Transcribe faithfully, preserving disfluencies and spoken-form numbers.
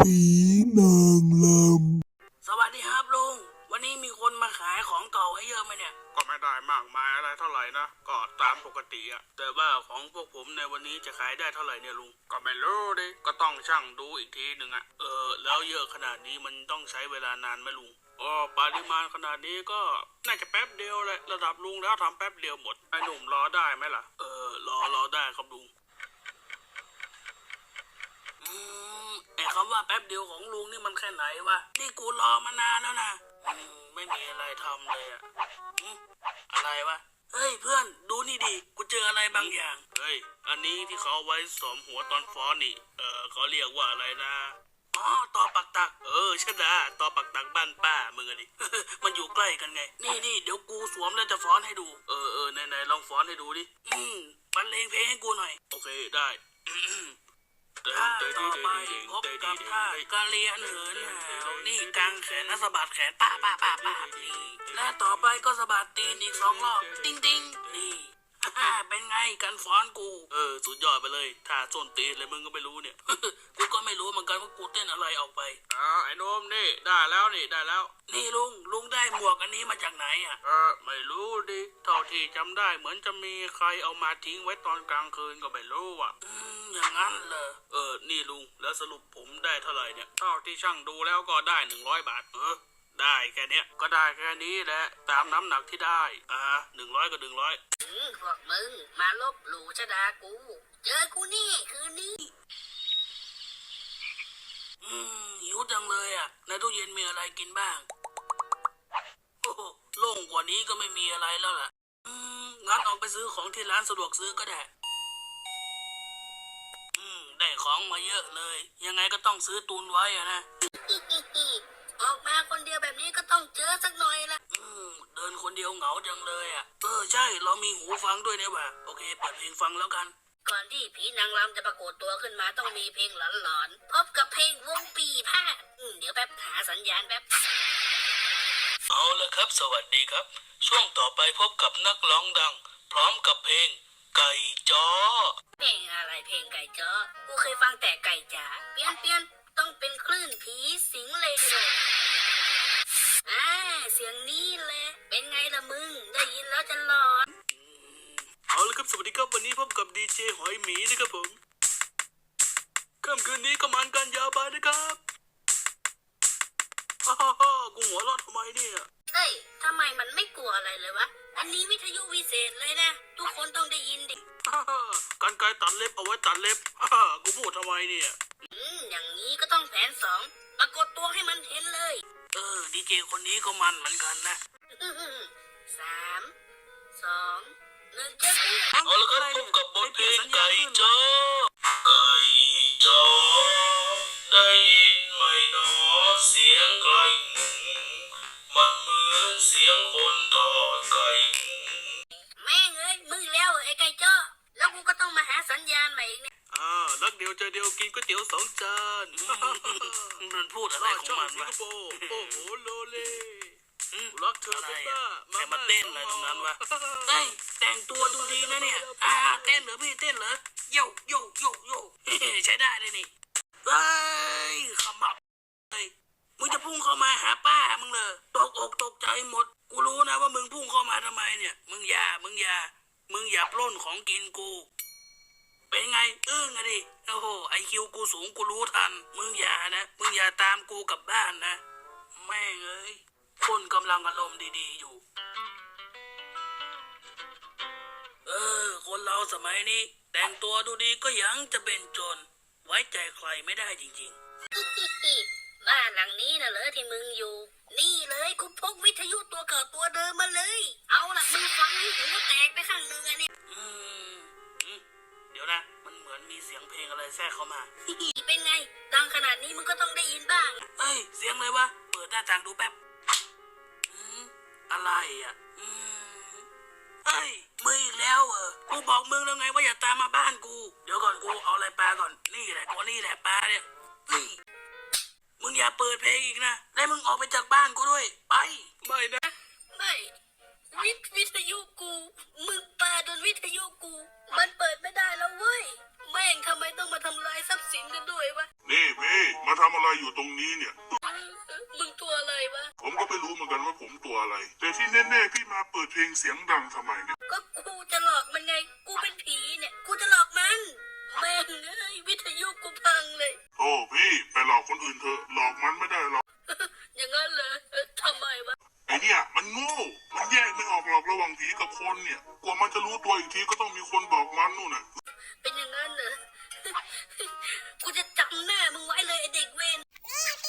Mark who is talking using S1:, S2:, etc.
S1: ผีนางล
S2: สวัสดีครับลุงวันนี้มีคนมาขายของเก่าให้เยอะไหมเนี่ย
S3: ก็ไม่ได้มากมายอะไรเท่าไหร่นะก็ตามปกติอะแต่ว่าของพวกผมในวันนี้จะขายได้เท่าไหร่เนี่ยลุงก็ไม่รู้ดิก็ต้องช่างดูอีกทีหนึ่งอะเออแล้วเยอะขนาดนี้มันต้องใช้เวลานานไหมลุงอ๋อปริมาณขนาดนี้ก็น่าจะแป๊บเดียวเลยระดับลุงแล้วทำแป๊บเดียวหมดไอ้หนุ่มรอได้ไหมล่ะเออรอรอได้ครับลุง
S2: อืมไอ้คำว่าแป๊บเดียวของลุงนี่มันแค่ไหนวะนี่กูรอมานานแล้วนะอืมไม่มีอะไรทำเลยอะอืมอะไรวะเฮ้ยเพื่อนดูนี่ดิกูเจออะไรบางอย่าง
S3: เฮ้ยอันนี้ที่เขาเอาไว้สวมหัวตอนฟ้อนนี่เออเขาเรียกว่าอะไรนะ
S2: อ๋อต่อปักตัก
S3: เออใช่ละต่อปักตักบ้านป้ามึงอะดิ
S2: มันอยู่ใกล้กันไงนี่นี่เดี๋ยวกูสวมแล้วจะฟ้อนให้ดู
S3: เออเออไหนไหนลองฟ้อนให้ดูดิ
S2: อืมบรรเลงเพลงให้กูหน่อย
S3: โอเคได้
S2: ท่าต่อไปพบกับท่ากะเลียนเหินหาวนี่กางแขนและสะบัดแขนป้าป้าป้าป้านี่และต่อไปก็สะบัดตีนอีกสองรอบติ้งติ้งนี่เป็นไงกันฟ้อนกู
S3: เออสุดยอดไปเลยท่าส้นตีนเลยมึงก็ไม่รู้เนี่ย
S2: กูก็ไม่รู้เหมือนกันว่ากูเต้นอะไรออกไป
S3: อ๋อไอ้โนมนี่ได้แล้วนี่ได้แล้ว
S2: นี่ลุงลุงได้หมวกอันนี้มาจากไหนอ่ะ
S3: เออไม่รู้ดิเท่าที่จำได้เหมือนจะมีใครเอามาทิ้งไว้ตอนกลางคืนก็ไม่รู้อ่ะ
S2: อืมอย่างนั้นเหรอ
S3: เออนี่ลุงแล้วสรุปผมได้เท่าไหร่เนี่ยเท่าที่ช่างดูแล้วก็ได้หนึ่งร้อยบาทเออได้แค่เนี้ยก็ได้แค่นี้แหละตามน้ำหนักที่ได้อ่าหนึ่งร้อยก็หนึ่งร้อย
S2: อืมพวกมึงมาลบหลู่ชะดากูเจอกูนี่คืนนี้อืมหิวจังเลยอ่ะในตู้เย็นมีอะไรกินบ้างโอ้โหโล่งกว่านี้ก็ไม่มีอะไรแล้วล่ะอืมงั้นออกไปซื้อของที่ร้านสะดวกซื้อก็ได้อืมได้ของมาเยอะเลยยังไงก็ต้องซื้อตุนไว้อะนะออกมาคนเดียวแบบนี้ก็ต้องเจอสักหน่อยละอืมเดินคนเดียวเหงาจังเลยอ่ะเออใช่เรามีหูฟังด้วยเนี่ยว่ะโอเคเปิดเพลงฟังแล้วกันก่อนที่ผีนางรำจะปรากฏตัวขึ้นมาต้องมีเพลงหลอนๆพบกับเพลงวงปีพาดอืมเดี๋ยวแป๊บหาสัญญาณแป๊บ
S3: เอาละครับสวัสดีครับช่วงต่อไปพบกับนักร้องดังพร้อมกับเพลงไก่จ้อ
S2: เพลงอะไรเพลงไก่จ้อกูเคยฟังแต่ไก่จ๋าเปลี่ยนเปลี่ยนต้องเป็นคลื่นผีสิงเลยทีเดียวอ่าเสียงนี้แหละเป็นไงล่ะมึงได้ยินแล้วจะหลอน
S3: เอาละครับสวัสดีครับวันนี้พบกับดีเจหอยหมีนะครับผมค่ำคืนนี้ก็มันกันยาวไปนะครับฮ่าฮ่าฮ่ากูหัวเราะทำไมเนี่ย
S2: เฮ้ยทำไมมันไม่กลัวอะไรเลยวะอันนี้วิทยุวิเศษเลยนะทุกคนต้องได้ยินดิ
S3: ฮ่าฮ่ากันไกรตัดเล็บเอาไว้ตัดเล็บฮ่าฮ่ากูพูดทำไมเนี่ย
S2: อืมอย่างนี้ก็ต้องแผนสองปรากฏตัวให้มันเห็นเลยเออดีเจคนนี้ก็มันเหมือนกันนะสามสองหนึ่งเจ้ากู
S3: เอาละครับพบกับบทเพลงไก่จ้อไก่จ้อได้ยินไหมหนอเสียงไก่มันเหมือนเสียงคนทอดไก่
S2: แม่งเอ้ยมึงแล้วไอ้ไก่จ้อแล้วกูก็ต้องมาหาสัญญาณใหม่อีกเนี่ย
S3: อ่ารักเดียวใจเดียวกินก๋วยเตี๋ยวสองจาน
S2: มันพูดอะไรของมันวะ
S3: โอ้โหโลเลรักเธอ
S2: อะไรอ่ะใครมาเต้นอะไรตรงนั้นวะเฮ้ยแต่งตัวดูดีนะเนี่ยอ่าเต้นเหรอพี่เต้นเหรอโยโยโยโยใช้ได้เลยนี่เฮ้ยขมับเฮ้ยมึงจะพุ่งเข้ามาหาป้ามึงเลยตกอกตกใจหมดกูรู้นะว่ามึงพุ่งเข้ามาทำไมเนี่ยมึงอย่ามึงอย่ามึงอย่าปล้นของกินกูเป็นไงอึ้งอะดิโอ้โหไอคิวกูสูงกูรู้ทันมึงอย่านะมึงอย่าตามกูกลับบ้านนะแม่งเอ้ยคนกำลังอารมณ์ดีๆอยู่เออคนเราสมัยนี้แต่งตัวดูดีก็ยังจะเป็นโจรไว้ใจใครไม่ได้จริงๆบ้านหลังนี้น่ะเหรอที่มึงอยู่นี่เลยกูพกวิทยุตัวเก่าตัวเดิมมาเลยเอาล่ะมึงฟังให้หูแตกไปข้างหนึ่งอันนี้อืมเดี๋ยวนะมันเหมือนมีเสียงเพลงอะไรแทรกเข้ามาเป็นไงดังขนาดนี้มึงก็ต้องได้ยินบ้างเอ้ยเสียงเลยวะเปิดหน้าต่างดูแป๊บอะไรอ่ะอืมเฮ้ยมึงอีกแล้วเหรอกูบอกมึงแล้วไงว่าอย่าตามมาบ้านกูเดี๋ยวก่อนกูเอาอะไรปลาก่อนนี่แหละกูนี่แหละปลาเนี่ยนี่มึงอย่าเปิดเพลงอีกนะแล้วมึงออกไปจากบ้านกูด้วยไป
S3: ไม่นะ
S2: ไม่วิทวิทยุกูมึงปาโดนวิทยุกูมันเปิดไม่ได้แล้วเว้ยแม่งทำไมต้องมาทำลายทรัพย์สินกันด้วยวะ
S1: นี่พี่มาทำอะไรอะไรอยู่ตรงนี้เนี่ย
S2: มึงตัวอะไรวะ
S1: ผมก็ไม่รู้เหมือนกันว่าผมตัวอะไร แต่ที่แน่ๆพี่มาเปิดเพลงเสียงดังทำไมเนี่ย
S2: ก็กูจะหลอกมันไง กูเป็นผีเนี่ย กูจะหลอกมัน แม่งเอ้ยวิทยุกูพังเลย
S1: โอ้พี่ไปหลอกคนอื่นเถอะหลอกมันไม่ได้หรอก
S2: อย่างนั้นเลยทำไมวะ
S1: ไอเนี่ยมันโง่ มันแยกไม่ออกหรอกระหว่างผีกับคนเนี่ย กว่ามันจะรู้ตัวอีกทีก็ต้องมีคนบอกมันนู่นน่ะ
S2: เป็นอย่างนั้นเหรอ กูจะจำหน้ามึงไว้เลยไอเด็กเวร